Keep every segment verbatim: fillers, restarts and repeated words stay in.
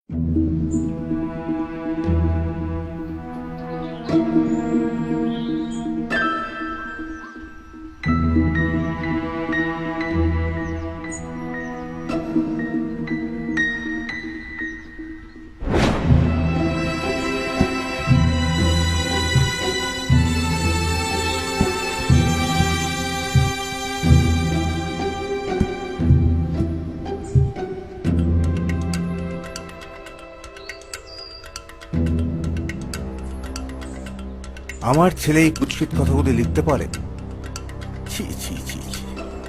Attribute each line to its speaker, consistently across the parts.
Speaker 1: আমার ছেলে এই কুৎসিত কথাগুলি লিখতে পারে? ছি ছি ছি ছি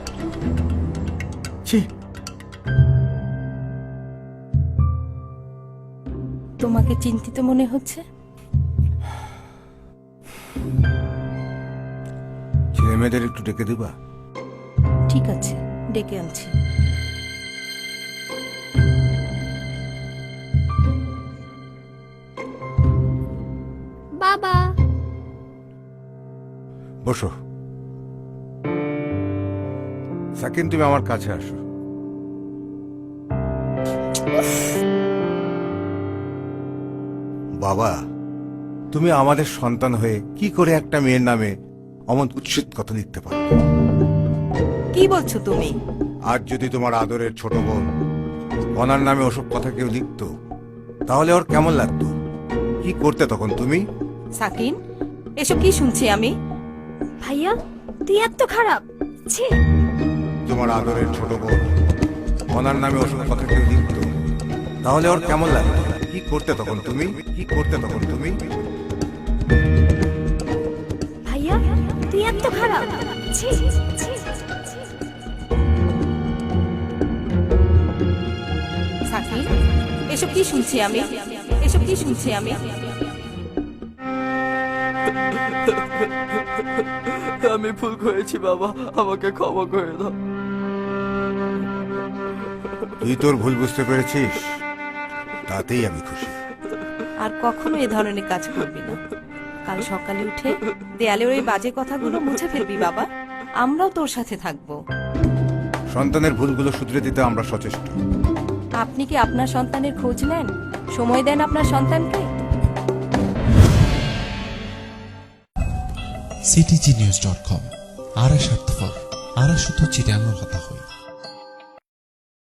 Speaker 1: ছি।
Speaker 2: তোমাকে চিন্তিত মনে হচ্ছে?
Speaker 1: ছেলে মেয়েদের একটু ডেকে দিবা?
Speaker 2: ঠিক আছে, ডেকে আনছি।
Speaker 3: বাবা,
Speaker 1: বসো। সাকিন, তুমি আমার কাছে আসো। বাবা, তুমি আমাদের সন্তান হয়ে কি করে একটা মেয়ের নামে অমন কুৎসিত কথা লিখতে পারো?
Speaker 2: কি বলছো তুমি?
Speaker 1: আজ যদি তোমার আদরের ছোট বোন কনার নামে ওসব কথা কেউ লিখতো, তাহলে ওর কেমন লাগতো? কি করতে তখন তুমি?
Speaker 2: সাকিন, এসব কি শুনছি আমি?
Speaker 3: ভাইয়া তুই এত খারাপ। ছি।
Speaker 1: তোমার আদরের ছোট বোন কনার নামে ওসব কথা কেউ লিখতো, তাহলে ওর কেমন লাগতো? কি করতে তখন তুমি? কি করতে তখন তুমি?
Speaker 3: ভাইয়া তুই এত খারাপ। ছি।
Speaker 2: সাকিন, এসব কি শুনছি আমি? এসব কি শুনছি আমি?
Speaker 4: আমি ভুল করেছি বাবা, আমাকে ক্ষমা করে দাও।
Speaker 1: তুই তোর ভুল বুঝতে পেরেছিস, তাতেই আমি খুশি।
Speaker 2: আর কখনো এ ধরনের কাজ করবি না। কাল সকালে উঠে দেয়ালের ওই বাজে কথাগুলো মুছে ফেলবি বাবা। আমরাও তোর সাথে থাকবো।
Speaker 1: সন্তানের ভুলগুলো শুধরে দিতে আমরা সচেষ্ট।
Speaker 2: আপনি কি আপনার সন্তানের খোঁজ নেন? সময় দেন আপনার সন্তানকে?
Speaker 5: CTG news dot com. আরা স্বার্থপর, আরা শুধু চিটানোর কথা হয়।